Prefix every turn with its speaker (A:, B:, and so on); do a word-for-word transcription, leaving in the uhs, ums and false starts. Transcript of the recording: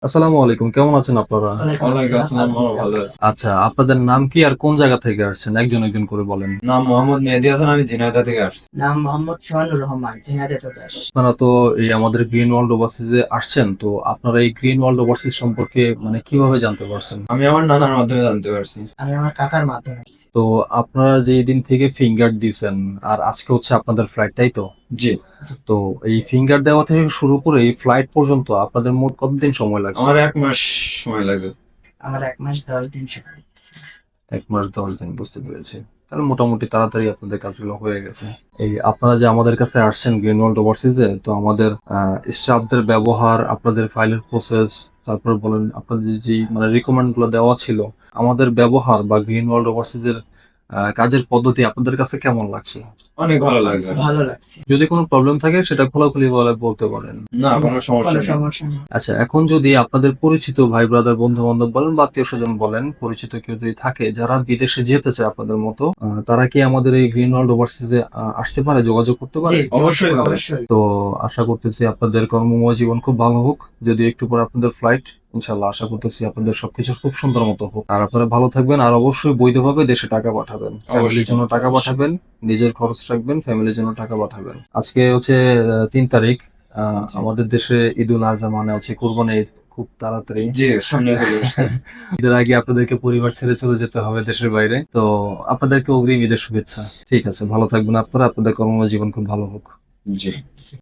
A: আসসালামু আলাইকুম, কেমন আছেন আপনারা?
B: ওয়ালাইকুম
C: ওয়ালাইকুম
B: আসসালাম।
C: আসসালাম, আমরা ভালো আছি।
A: আচ্ছা, আপনাদের নাম কি আর কোন জায়গা থেকে আসছেন? একজন একজন করে বলেন।
C: নাম মোহাম্মদ মেহেদী হাসান, আমি ঝিনাইদহ থেকে আসছি।
B: নাম মোহাম্মদ সোহানুর রহমান, ঝিনাইদহ থেকে আসছি।
A: আপনারা তো এই আমাদের গ্রিন ওয়ার্ল্ড ওভারসিজে আসছেন, তো আপনারা এই গ্রিন ওয়ার্ল্ড ওভারসিজ সম্পর্কে মানে কিভাবে জানতে পারছেন?
C: আমি আমার নানার মাধ্যমে জানতে পারছি।
B: আমি আমার কাকার মাধ্যমে আসছি।
A: তো আপনারা যে দিন থেকে ফিঙ্গার দিছেন আর আজকে হচ্ছে আপনাদের ফ্লাইট, তাই তো?
C: জি,
A: তো এই ফিঙ্গার দেওয়া থেকে শুরু করে এই ফ্লাইট পর্যন্ত আপনাদের মোট কতদিন সময় লাগছে?
C: আমার এক মাস সময় লাগছে।
B: আমার এক মাস দশ দিন সময় লেগেছে।
A: এক মাস দশ দিন, বুঝতে পেরেছি। তাহলে মোটামুটি তাড়াতাড়ি আপনাদের কাজগুলো হয়ে গেছে। এই আপনারা যে আমাদের কাছে আসছেন গ্রিন ওয়ার্ল্ড ওভারসিজে, তো আমাদের স্টাফদের ব্যবহার, আপনাদের ফাইলের প্রসেস, তারপর বলেন আপনাদের যে মানে রিকমেন্ড গুলো দেওয়া ছিল, আমাদের ব্যবহার বা গ্রিন ওয়ার্ল্ড ওভারসিজের কাজের পদ্ধতি আপনাদের কাছে কেমন লাগছে?
C: অনেক ভালো লাগছে।
B: ভালো লাগছে।
A: যদি কোনো প্রবলেম থাকে সেটা খোলাখুলি বলে বলতে পারেন।
C: না, কোনো সমস্যা
B: কোনো
C: নেই।
B: সমস্যা নেই।
A: আচ্ছা, এখন যদি আপনাদের পরিচিত ভাই ব্রাদার বন্ধু বান্ধব বলেন বা আত্মীয় স্বজন বলেন, পরিচিত কেউ যদি থাকে যারা বিদেশে যেতে চায় আপনাদের মতো, আহ, তারা কি আমাদের এই গ্রিন ওয়ার্ল্ড ওভারসিজে আসতে পারে, যোগাযোগ করতে
B: জি,
A: পারে?
C: অবশ্যই পারে।
B: অবশ্যই।
A: তো আশা করতেছি আপনাদের কর্মময় জীবন খুব ভালো হোক। যদি একটু পরে আপনাদের ফ্লাইট, ইনশাল্লাহ আশা করতেছি আপনাদের সবকিছু খুব সুন্দর মতো হোক। আর আপনারা ভালো থাকবেন, আর অবশ্যই বৈধভাবে দেশে টাকা পাঠাবেন, ফ্যামিলির জন্য টাকা
C: অবশ্যই।
A: পাঠাবেন, নিজের খরচ রাখবেন, ফ্যামিলির জন্য টাকা পাঠাবেন। আজকে হচ্ছে আহ, তিন তারিখ। আহ,
C: জি।
A: আমাদের দেশে ঈদুল আজহা মানে হচ্ছে কুরবানি ঈদ খুব তাড়াতাড়ি।
C: জি, সামনে চলে আসছে।
A: ঈদের আগে আপনাদেরকে পরিবার ছেড়ে চলে যেতে হবে দেশের বাইরে, তো আপনাদেরকে অগ্রিম ঈদের শুভেচ্ছা। ঠিক আছে, ভালো থাকবেন আপনারা, আপনাদের কর্মময় জীবন খুব ভালো হোক।
C: জি।